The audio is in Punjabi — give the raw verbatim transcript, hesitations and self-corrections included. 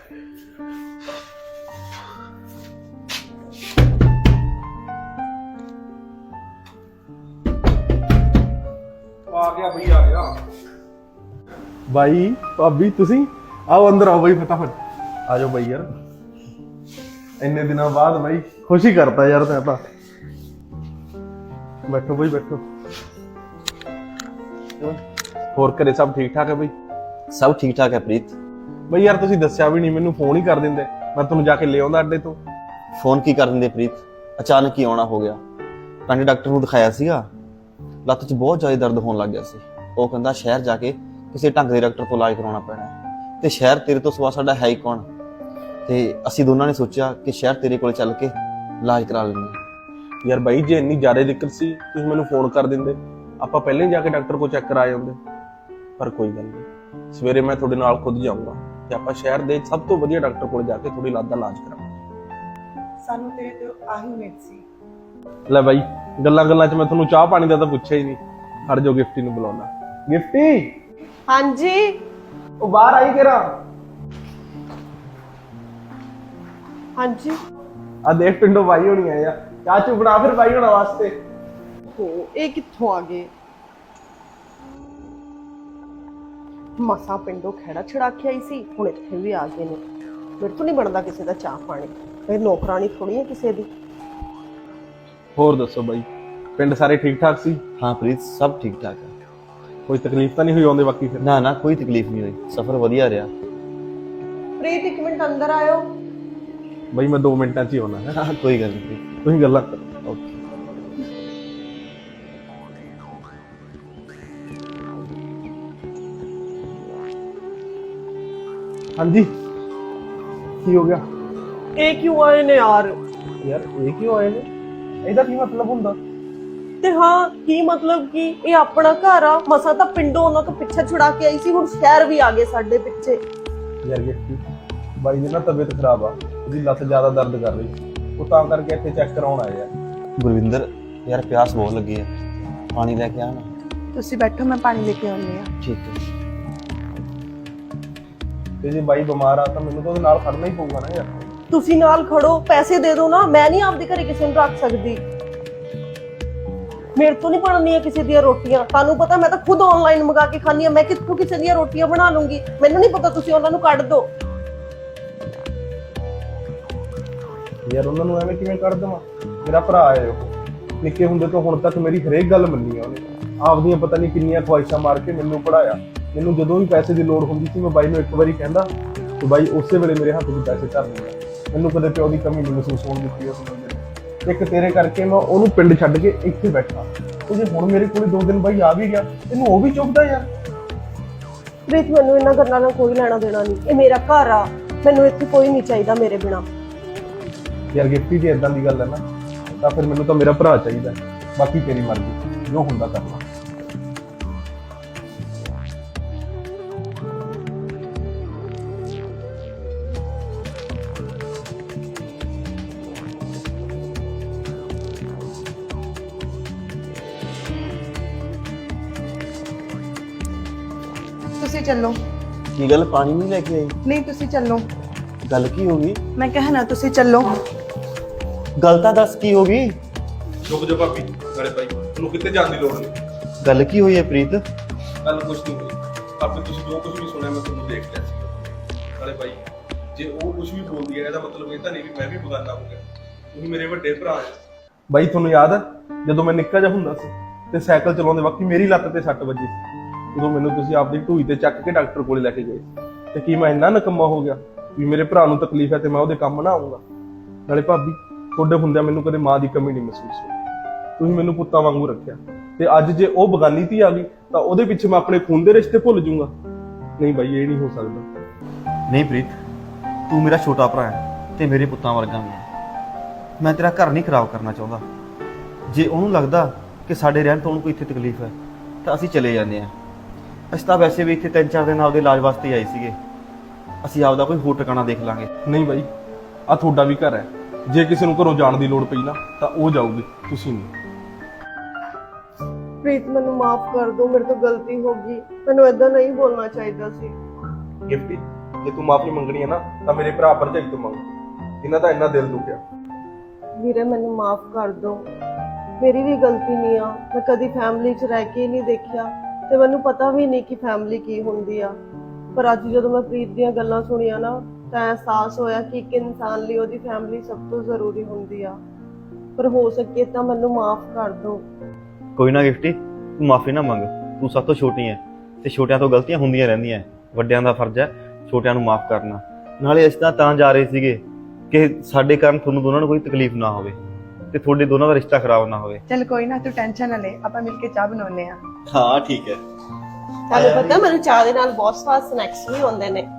आ गया भाई आ गया भाई भाभी तुसी आओ अंदर आओ भाई फटाफट आ जाओ भाई यार इन्ने दिनों बाद भाई खुशी करता यार मैं तो बैठो भाई बैठो ਹੋਰ ਘਰੇ ਸਭ ਠੀਕ ਠਾਕ ਹੈ ਬਈ ਸਭ ਠੀਕ ਠਾਕ ਹੈ ਪ੍ਰੀਤ ਬਈ ਯਾਰ ਤੁਸੀਂ ਦੱਸਿਆ ਵੀ ਨਹੀਂ ਮੈਨੂੰ ਫੋਨ ਹੀ ਕਰ ਦਿੰਦੇ ਮੈਂ ਤੁਹਾਨੂੰ ਜਾ ਕੇ ਲੈ ਆਉਂਦਾ ਅੱਡੇ ਤੋਂ ਫੋਨ ਕੀ ਕਰ ਦਿੰਦੇ ਪ੍ਰੀਤ ਅਚਾਨਕ ਹੀ ਆਉਣਾ ਹੋ ਗਿਆ ਕੰਡੇ ਡਾਕਟਰ ਨੂੰ ਦਿਖਾਇਆ ਸੀਗਾ ਲੱਤ 'ਚ ਬਹੁਤ ਜ਼ਿਆਦਾ ਦਰਦ ਹੋਣ ਲੱਗ ਗਿਆ ਸੀ ਉਹ ਕਹਿੰਦਾ ਸ਼ਹਿਰ ਜਾ ਕੇ ਕਿਸੇ ਢੰਗ ਦੇ ਡਾਕਟਰ ਤੋਂ ਇਲਾਜ ਕਰਾਉਣਾ ਪੈਣਾ ਤੇ ਸ਼ਹਿਰ ਤੇਰੇ ਤੋਂ ਸਿਵਾ ਸਾਡਾ ਹੈ ਹੀ ਕੌਣ ਤੇ ਅਸੀਂ ਦੋਨਾਂ ਨੇ ਸੋਚਿਆ ਕਿ ਸ਼ਹਿਰ ਤੇਰੇ ਕੋਲ ਚੱਲ ਕੇ ਇਲਾਜ ਕਰਾ ਲੈਂਦੇ ਯਾਰ ਬਾਈ ਜੇ ਇੰਨੀ ਜ਼ਿਆਦਾ ਦਿੱਕਤ ਸੀ ਤੁਸੀਂ ਮੈਨੂੰ ਫੋਨ ਕਰ ਦਿੰਦੇ ਆਪਾਂ ਪਹਿਲਾਂ ਹੀ ਜਾ ਕੇ ਡਾਕਟਰ ਕੋਲ ਚੈੱਕ ਕਰਾ ਜਾਂਦੇ ਪਰ ਕੋਈ ਗੱਲ ਨਹੀਂ ਸਵੇਰੇ ਮੈਂ ਤੁਹਾਡੇ ਨਾਲ ਖੁਦ ਜਾਊਂਗਾ ਤੇ ਆਪਾਂ ਸ਼ਹਿਰ ਦੇ ਸਭ ਤੋਂ ਵਧੀਆ ਡਾਕਟਰ ਕੋਲ ਜਾ ਕੇ ਥੋੜੀ ਲੱਤ ਦਾ ਇਲਾਜ ਕਰਾਂਗੇ ਸਾਨੂੰ ਤੇਰੇ ਤੋਂ ਆਹੀ ਉਮੀਦ ਸੀ ਲੈ ਬਾਈ ਗੱਲਾਂ ਗੱਲਾਂ 'ਚ ਮੈਂ ਤੁਹਾਨੂੰ ਚਾਹ ਪਾਣੀ ਦਾ ਤਾਂ ਪੁੱਛਿਆ ਹੀ ਨਹੀਂ ਹਰ ਜੋ ਗਿਫਟੀ ਨੂੰ ਬੁਲਾਉਣਾ ਗਿਫਟੀ ਹਾਂਜੀ ਉਹ ਬਾਹਰ ਆਈ ਕਿਹੜਾ ਹਾਂਜੀ ਆ ਦੇਖ ਪਿੰਡੋਂ ਬਾਈ ਹੋਣੀ ਆਏ ਆ ਚਾਹ ਚੂ ਬਣਾ ਫਿਰ ਬਾਈ ਹੋਣਾ ਵਾਸਤੇ ਹੋ ਇਹ ਕਿੱਥੋਂ ਆ ਗਏ ਮਸਾ ਪਿੰਡੋਂ ਖੇੜਾ ਛੜਾ ਕੇ ਆਈ ਸੀ ਹੁਣ ਇੱਥੇ ਵੀ ਆ ਗਏ ਨੇ ਮੇਰੇ ਤੋਂ ਨਹੀਂ ਬਣਦਾ ਕਿਸੇ ਦਾ ਚਾਹ ਪਾਣੀ ਇਹ ਨੌਕਰਾਨੀ ਥੋੜੀ ਹੈ ਕਿਸੇ ਦੀ ਹੋਰ ਦੱਸੋ ਬਾਈ ਪਿੰਡ ਸਾਰੇ ਠੀਕ ਠਾਕ ਸੀ ਹਾਂ ਪ੍ਰੀਤ ਸਭ ਠੀਕ ਠਾਕ ਹੈ ਕੋਈ ਤਕਲੀਫ ਤਾਂ ਨਹੀਂ ਹੋਈ ਆਉਂਦੇ ਬਾਕੀ ਫਿਰ ਨਾ ਨਾ ਕੋਈ ਤਕਲੀਫ ਨਹੀਂ ਹੋਈ ਸਫ਼ਰ ਵਧੀਆ ਰਿਹਾ ਪ੍ਰੀਤ ਇੱਕ ਮਿੰਟ ਅੰਦਰ ਆਇਓ ਬਾਈ ਮੈਂ ਦੋ ਮਿੰਟਾਂ 'ਚ ਹੀ ਆਉਣਾ ਹੈ ਹਾਂ ਕੋਈ ਗੱਲ ਨਹੀਂ ਪ੍ਰੀਤ ਤੁਸੀਂ ਗੱਲਾਂ ਕਰੋ ਓਕੇ ਹਾਂਜੀ ਕੀ ਹੋ ਗਿਆ ਇਹ ਕਿਉਂ ਆਏ ਨੇ ਯਾਰ ਯਾਰ ਇਹ ਕਿਉਂ ਆਏ ਨੇ ਇਹਦਾ ਕੀ ਮਤਲਬ ਹੁੰਦਾ ਤੇ ਹਾਂ ਕੀ ਮਤਲਬ ਕੀ ਇਹ ਆਪਣਾ ਘਰ ਆ ਮਸਾ ਤਾਂ ਪਿੰਡੋਂ ਉਹਨਾਂ ਤੋਂ ਪਿੱਛੇ ਛੁਡਾ ਕੇ ਆਈ ਸੀ ਹੁਣ ਸ਼ਹਿਰ ਵੀ ਆ ਗਏ ਸਾਡੇ ਪਿੱਛੇ ਯਾਰ ਗਿਫਟੀ ਬਾਈ ਦੀ ਨਾ ਤਬੀਅਤ ਖਰਾਬ ਆ ਉਹਦੀ ਲੱਤ ਜ਼ਿਆਦਾ ਦਰਦ ਕਰ ਰਹੀ ਉਹ ਤਾਂ ਕਰਕੇ ਇੱਥੇ ਚੈੱਕ ਕਰਾਉਣ ਆਏ ਆ ਗੁਰਵਿੰਦਰ ਯਾਰ ਪਿਆਸ ਬਹੁਤ ਲੱਗੀ ਹੈ ਪਾਣੀ ਲੈ ਕੇ ਆ ਨਾ ਤੁਸੀਂ ਬੈਠੋ ਮੈਂ ਪਾਣੀ ਲੈ ਕੇ ਆਉਂਦੀ ਆ ਠੀਕ ਹੈ ਤੇ ਜੇ ਬਾਈ ਬਿਮਾਰ ਆ ਤਾਂ ਮੈਨੂੰ ਤਾਂ ਉਹਦੇ ਨਾਲ ਖੜਨਾ ਹੀ ਪਊਗਾ ਨਾ ਯਾਰ ਤੁਸੀਂ ਨਾਲ ਖੜੋ ਪੈਸੇ ਦੇ ਦਿਓ ਨਾ ਮੈਂ ਨਹੀਂ ਆਪਦੇ ਘਰੇ ਕਿਸੇ ਨੂੰ ਰੱਖ ਸਕਦੀ ਮੇਰੇ ਤੋਂ ਨਹੀਂ ਬਣਨੀਆਂ ਕਿਸੇ ਦੀਆਂ ਰੋਟੀਆਂ ਤੁਹਾਨੂੰ ਪਤਾ ਮੈਂ ਤਾਂ ਖੁਦ ਆਨਲਾਈਨ ਮੰਗਾ ਕੇ ਖਾਂਦੀ ਆ ਮੈਂ ਕਿੱਥੋਂ ਕਿਸੇ ਦੀਆਂ ਰੋਟੀਆਂ ਬਣਾ ਲੂੰਗੀ ਮੈਨੂੰ ਨਹੀਂ ਪਤਾ ਤੁਸੀਂ ਉਹਨਾਂ ਨੂੰ ਕੱਢ ਦਿਓ ਯਾਰ ਉਹਨਾਂ ਨੂੰ ਐਵੇਂ ਕਿਵੇਂ ਕੱਢ ਦੇਵਾਂ ਮੇਰਾ ਭਰਾ ਹੈ ਉਹ ਨਿੱਕੇ ਹੁੰਦੇ ਤੋਂ ਹੁਣ ਤੱਕ ਮੇਰੀ ਹਰੇਕ ਗੱਲ ਮੰਨੀ ਆ ਉਹਨੇ ਆਪਦੀਆਂ ਪਤਾ ਨਹੀਂ ਕਿੰਨੀਆਂ ਖੁਆਇਸ਼ਾਂ ਮਾਰ ਕੇ ਮੈਨੂੰ ਪੜਾਇਆ ਮੈਨੂੰ ਜਦੋਂ ਵੀ ਪੈਸੇ ਦੀ ਲੋੜ ਹੁੰਦੀ ਸੀ ਮੈਂ ਬਾਈ ਨੂੰ ਇੱਕ ਵਾਰੀ ਕਹਿੰਦਾ ਤੇ ਬਾਈ ਉਸੇ ਵੇਲੇ ਮੇਰੇ ਹੱਥ 'ਚ ਪੈਸੇ ਧਰ ਦਿੰਦਾ ਮੈਨੂੰ ਕਦੇ ਪਿਓ ਦੀ ਕਮੀ ਨਹੀਂ ਮਹਿਸੂਸ ਹੋਣ ਦਿੱਤੀ ਉਸ ਬੰਦੇ ਨੇ ਇੱਕ ਤੇਰੇ ਕਰਕੇ ਮੈਂ ਉਹਨੂੰ ਪਿੰਡ ਛੱਡ ਕੇ ਇੱਥੇ ਬੈਠਾ ਤੇ ਜੇ ਹੁਣ ਮੇਰੇ ਕੋਲ ਦੋ ਦਿਨ ਬਾਈ ਆ ਵੀ ਗਿਆ ਇਹਨੂੰ ਉਹ ਵੀ ਚੁੱਕਦਾ ਯਾਰ ਪ੍ਰੀਤ ਮੈਨੂੰ ਇਹਨਾਂ ਗੱਲਾਂ ਨਾਲ ਕੋਈ ਲੈਣਾ ਦੇਣਾ ਨਹੀਂ ਇਹ ਮੇਰਾ ਘਰ ਆ ਮੈਨੂੰ ਇੱਥੇ ਕੋਈ ਨਹੀਂ ਚਾਹੀਦਾ ਮੇਰੇ ਬਿਨਾ ਯਾਰ ਗਿਫਟੀ ਜੇ ਇਦਾਂ ਦੀ ਗੱਲ ਹੈ ਨਾ ਤਾਂ ਫਿਰ ਮੈਨੂੰ ਤਾਂ ਮੇਰਾ ਭਰਾ ਚਾਹੀਦਾ ਬਾਕੀ ਤੇਰੀ ਮਰਜ਼ੀ ਜੋ ਹੁੰਦਾ ਕਰ ਲਾ ਤੁਸੀਂ ਚੱਲੋ ਕੀ ਗੱਲ ਪਾਣੀ ਨਹੀਂ ਲੈ ਕੇ ਆਈ ਨਹੀਂ ਤੁਸੀਂ ਚੱਲੋ ਗੱਲ ਕੀ ਹੋ ਗਈ ਮੈਂ ਕਹਿਣਾ ਤੁਸੀਂ ਚੱਲੋ ਗੱਲ ਤਾਂ ਦੱਸ ਕੀ ਹੋ ਗਈ ਰੁਕ ਜਾ ਭਾਬੀ ਨਾਲੇ ਭਾਈ ਤੁਹਾਨੂੰ ਕਿੱਥੇ ਜਾਣ ਦੀ ਲੋੜ ਨਹੀਂ ਗੱਲ ਕੀ ਹੋਈ ਹੈ ਪ੍ਰੀਤ ਕੱਲ ਕੁਝ ਨਹੀਂ ਹੋਈ ਆਪੇ ਤੁਸੀਂ ਜੋ ਕੁਝ ਵੀ ਸੁਣਿਆ ਮੈਂ ਤੁਹਾਨੂੰ ਦੇਖ ਲਿਆ ਸੀ ਨਾਲੇ ਭਾਈ ਜੇ ਉਹ ਕੁਝ ਵੀ ਬੋਲਦੀ ਹੈ ਇਹਦਾ ਮਤਲਬ ਇਹ ਤਾਂ ਨਹੀਂ ਵੀ ਮੈਂ ਵੀ ਬਗਾਨਾ ਹੋ ਗਿਆ ਤੁਸੀਂ ਮੇਰੇ ਵੱਡੇ ਭਰਾ ਹੋ ਬਾਈ ਤੁਹਾਨੂੰ ਯਾਦ ਹੈ ਜਦੋਂ ਮੈਂ ਨਿੱਕਾ ਜਿਹਾ ਹੁੰਦਾ ਸੀ ਤੇ ਸਾਈਕਲ ਚਲਾਉਂਦੇ ਵਕਤ ਮੇਰੀ ਲੱਤ ਤੇ ਸੱਟ ਵੱਜੀ ਸੀ ਉਦੋਂ ਮੈਨੂੰ ਤੁਸੀਂ ਆਪਦੀ ਢੂਈ ਤੇ ਚੱਕ ਕੇ ਡਾਕਟਰ ਕੋਲੇ ਲੈ ਕੇ ਗਏ ਤੇ ਕੀ ਮੈਂ ਇੰਨਾ ਨਕਮਾ ਹੋ ਗਿਆ ਵੀ ਮੇਰੇ ਭਰਾ ਨੂੰ ਤਕਲੀਫ ਹੈ ਤੇ ਮੈਂ ਉਹਦੇ ਕੰਮ ਨਾ ਆਉਂਗਾ ਨਾਲੇ ਭਾਬੀ ਤੁਹਾਡੇ ਹੁੰਦਿਆਂ ਮੈਨੂੰ ਕਦੇ ਮਾਂ ਦੀ ਕਮੀ ਨਹੀਂ ਮਹਿਸੂਸ ਹੋਈ ਤੁਸੀਂ ਮੈਨੂੰ ਪੁੱਤਾਂ ਵਾਂਗੂ ਰੱਖਿਆ ਤੇ ਅੱਜ ਜੇ ਉਹ ਬਗਾਨੀ ਧੀ ਆ ਗਈ ਤਾਂ ਉਹਦੇ ਪਿੱਛੇ ਮੈਂ ਆਪਣੇ ਖੂਨ ਦੇ ਰਿਸ਼ਤੇ ਭੁੱਲ ਜਾਊਂਗਾ ਨਹੀਂ ਬਾਈ ਇਹ ਨਹੀਂ ਹੋ ਸਕਦਾ ਨਹੀਂ ਪ੍ਰੀਤ ਤੂੰ ਮੇਰਾ ਛੋਟਾ ਭਰਾ ਹੈ ਤੇ ਮੇਰੇ ਪੁੱਤਾਂ ਵਰਗਾ ਮੈਂ ਮੈਂ ਤੇਰਾ ਘਰ ਨਹੀਂ ਖਰਾਬ ਕਰਨਾ ਚਾਹੁੰਦਾ ਜੇ ਉਹਨੂੰ ਲੱਗਦਾ ਕਿ ਸਾਡੇ ਰਹਿਣ ਤੋਂ ਉਹਨੂੰ ਕੋਈ ਇੱਥੇ ਤਕਲੀਫ ਹੈ ਤਾਂ ਅਸੀਂ ਚਲੇ ਜਾਂਦੇ ਹਾਂ ਅਸੀਂ ਤਾਂ ਵੈਸੇ ਵੀ ਇੱਥੇ ਤਿੰਨ ਚਾਰ ਦਿਨ ਆਪਦੇ ਇਲਾਜ ਵਾਸਤੇ ਆਏ ਸੀਗੇ ਅਸੀਂ ਆਪਦਾ ਕੋਈ ਹੋਰ ਟਿਕਾਣਾ ਦੇਖ ਲਾਂਗੇ ਨਹੀਂ ਬਾਈ ਆ ਤੁਹਾਡਾ ਵੀ ਘਰ ਹੈ ਜੇ ਕਿਸੇ ਨੂੰ ਘਰੋਂ ਜਾਣ ਦੀ ਲੋੜ ਪਈ ਨਾ ਤਾਂ ਉਹ ਜਾਊਗੀ ਤੁਸੀਂ ਨਹੀਂ ਪ੍ਰੀਤ ਮੈਨੂੰ ਮਾਫ ਕਰ ਦਿਓ ਮੇਰੇ ਤੋਂ ਗਲਤੀ ਹੋ ਗਈ ਮੈਨੂੰ ਏਦਾਂ ਨਹੀਂ ਬੋਲਣਾ ਚਾਹੀਦਾ ਸੀ ਗਿਫਟੀ ਜੇ ਤੂੰ ਮਾਫੀ ਮੰਗਣੀ ਹੈ ਨਾ ਤਾਂ ਮੇਰੇ ਭਰਾ ਭਰਜਾਈ ਤੋਂ ਮੰਗ। ਇਹਨਾਂ ਦਾ ਇੰਨਾ ਦਿਲ ਦੁਖਿਆ। ਵੀਰੇ ਮੈਨੂੰ ਮਾਫ ਕਰ ਦਿਓ, ਮੇਰੀ ਵੀ ਗਲਤੀ ਨਹੀਂ ਆ। ਮੈਂ ਕਦੀ ਫੈਮਿਲੀ 'ਚ ਰਹਿ ਕੇ ਹੀ ਨਹੀਂ ਦੇਖਿਆ ਤੇ ਮੈਨੂੰ ਪਤਾ ਵੀ ਨਹੀਂ ਕਿ ਫੈਮਿਲੀ ਕੀ ਹੁੰਦੀ ਆ। ਪਰ ਅੱਜ ਜਦੋਂ ਮੈਂ ਪ੍ਰੀਤ ਦੀਆਂ ਗੱਲਾਂ ਸੁਣੀਆਂ ਨਾ ਤਾਂ ਅਹਿਸਾਸ ਹੋਇਆ ਕਿ ਇੱਕ ਇਨਸਾਨ ਲਈ ਉਹਦੀ ਫੈਮਿਲੀ ਸਭ ਤੋਂ ਜ਼ਰੂਰੀ ਹੁੰਦੀ ਆ। ਪਰ ਹੋ ਸਕੇ ਤਾਂ ਮੈਨੂੰ ਮਾਫ ਕਰ ਦਿਓ। ਕੋਈ ਨਾ ਗਿਫਟੀ, ਤੂੰ ਮਾਫੀ ਨਾ ਮੰਗ। ਤੂੰ ਸਭ ਤੋਂ ਛੋਟੀ ਹੈ ਤੇ ਛੋਟਿਆਂ ਤੋਂ ਗਲਤੀਆਂ ਹੁੰਦੀਆਂ ਰਹਿੰਦੀਆਂ। ਵੱਡਿਆਂ ਦਾ ਫਰਜ਼ ਹੈ ਛੋਟਿਆਂ ਨੂੰ ਮਾਫ ਕਰਨਾ। ਨਾਲੇ ਅਸੀਂ ਤਾਂ ਤਾਂ ਜਾ ਰਹੇ ਸੀਗੇ ਕਿ ਸਾਡੇ ਕਾਰਨ ਤੁਹਾਨੂੰ ਦੋਨਾਂ ਨੂੰ ਕੋਈ ਤਕਲੀਫ ਨਾ ਹੋਵੇ ਤੇ ਤੁਹਾਡੇ ਦੋਨਾਂ ਦਾ ਰਿਸ਼ਤਾ ਖਰਾਬ ਨਾ ਹੋਵੇ। ਚੱਲ ਕੋਈ ਨਾ, ਤੂੰ ਟੈਨਸ਼ਨ ਨਾ ਲੈ, ਆਪਾਂ ਮਿਲ ਕੇ ਚਾਹ ਬਣਾਉਂਦੇ ਆ। ਹਾਂ ਠੀਕ ਹੈ। ਤੁਹਾਨੂੰ ਪਤਾ ਮੈਨੂੰ ਚਾਹ ਦੇ ਨਾਲ ਬਹੁਤ ਸਵਾਦ ਸਨੈਕਸ ਵੀ ਹੁੰਦੇ ਨੇ।